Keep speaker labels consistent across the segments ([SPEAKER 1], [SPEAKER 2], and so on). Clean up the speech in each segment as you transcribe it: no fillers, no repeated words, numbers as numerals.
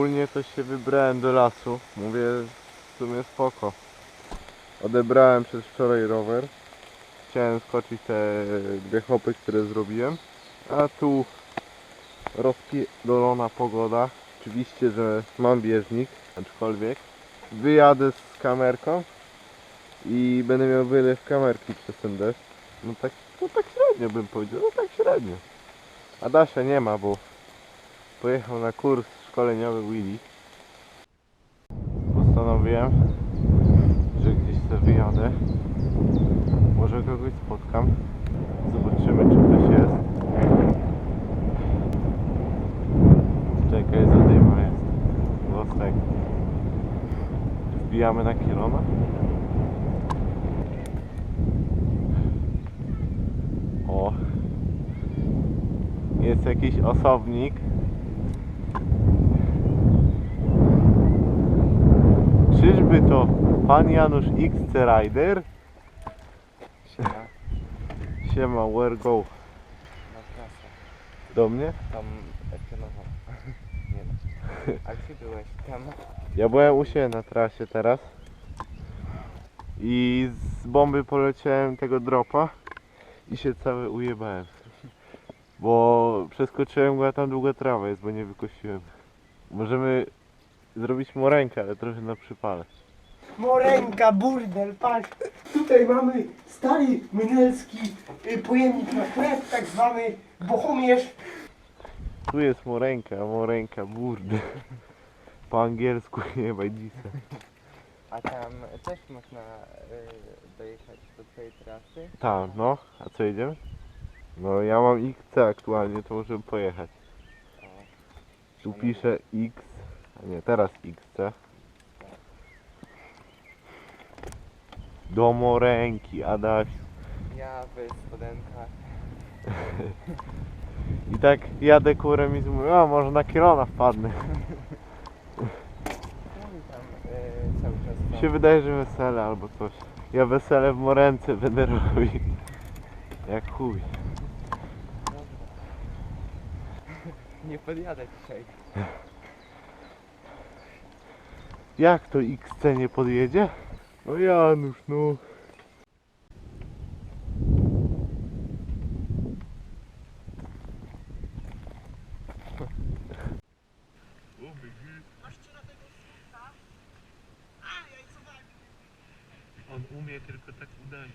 [SPEAKER 1] Ogólnie to się wybrałem do lasu. Mówię, w sumie spoko. Odebrałem przez wczoraj rower. Chciałem skoczyć te dwie hopy, które zrobiłem. A tu rozpierdolona pogoda. Oczywiście, że mam bieżnik, aczkolwiek wyjadę z kamerką i będę miał wylew kamerki przez ten deszcz. No tak średnio bym powiedział, no tak średnio. Adasia nie ma, bo pojechał na kurs szkoleniowy Willy. Postanowiłem, że gdzieś sobie wyjadę. Może kogoś spotkam. Zobaczymy, czy ktoś jest. Czekaj, zadyma jest. Włosek. Wbijamy na Kielona. O. Jest jakiś osobnik. Czyżby to pan Janusz XC Rider?
[SPEAKER 2] Siema,
[SPEAKER 1] Siema, where go?
[SPEAKER 2] na trasę.
[SPEAKER 1] Do mnie?
[SPEAKER 2] Tam Epionowo. Nie no. A gdzie byłeś? Tam?
[SPEAKER 1] Ja byłem u siebie na trasie teraz. I z bomby poleciałem tego dropa i się cały ujebałem. Bo przeskoczyłem go, a tam długa trawa jest, bo nie wykosiłem. Możemy zrobić morenkę, ale trochę na przypale.
[SPEAKER 3] Morenka, burdel, patrz. Tutaj mamy stary mynelski pojemnik na chleb, tak zwany bohomierz.
[SPEAKER 1] Tu jest morenka, burde. Po angielsku jebaj dzisiaj.
[SPEAKER 2] A tam też można dojechać do twojej trasy?
[SPEAKER 1] Tak, no. A co jedziemy? No ja mam XC aktualnie, to możemy pojechać.
[SPEAKER 2] O,
[SPEAKER 1] Tu piszę X, a nie, teraz XC. Do morenki, Adaś.
[SPEAKER 2] ja w spodenkach.
[SPEAKER 1] I tak jadę kurem i mówię, a może na Kielona wpadnę.
[SPEAKER 2] No i tam cały czas
[SPEAKER 1] Mi się wydaje, że wesele albo coś. Ja wesele w morence będę robił. Jak chuj.
[SPEAKER 2] Dobra. Nie podjadę dzisiaj.
[SPEAKER 1] Jak to XC nie podjedzie? No Janusz, no. On umie, tylko tak udaje.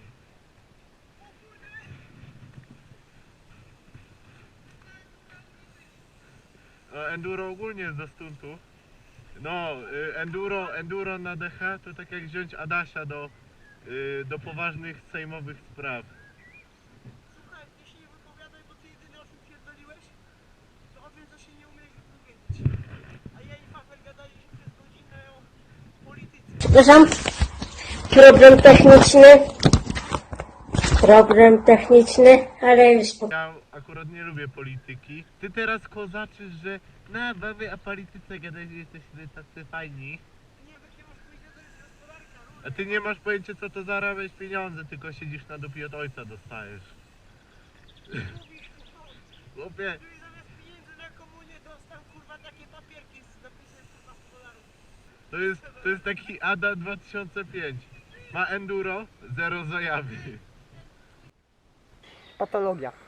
[SPEAKER 1] Enduro ogólnie jest do stuntu. No, enduro na DH to tak jak wziąć Adasia do poważnych sejmowych spraw.
[SPEAKER 3] Słuchaj, ty się nie wypowiadaj, bo ty jedyny o czym pierdoliłeś, to o tym, co się nie umiesz wypowiedzieć. A ja i Fafel gadaliśmy przez godzinę o polityce.
[SPEAKER 4] Przepraszam, problem techniczny, ale już
[SPEAKER 1] Ja akurat nie lubię polityki. Ty teraz kozaczysz, że na baby a polityce gadać, że jesteśmy tacy fajni.
[SPEAKER 3] Nie wiem, jakie masz pójdzie, to jest gospodarka.
[SPEAKER 1] A ty nie masz pojęcia co to zarabiać pieniądze, tylko siedzisz na dupie od ojca dostajesz.
[SPEAKER 3] Mówisz, kurwa,
[SPEAKER 1] Chłopie,
[SPEAKER 3] gdybyś zamiast pieniędzy na komunie dostał, kurwa, takie papierki z napisem, kurwa, $100.
[SPEAKER 1] to jest taki Ada 2005. Ma enduro, zero zajawy.
[SPEAKER 3] Patologia.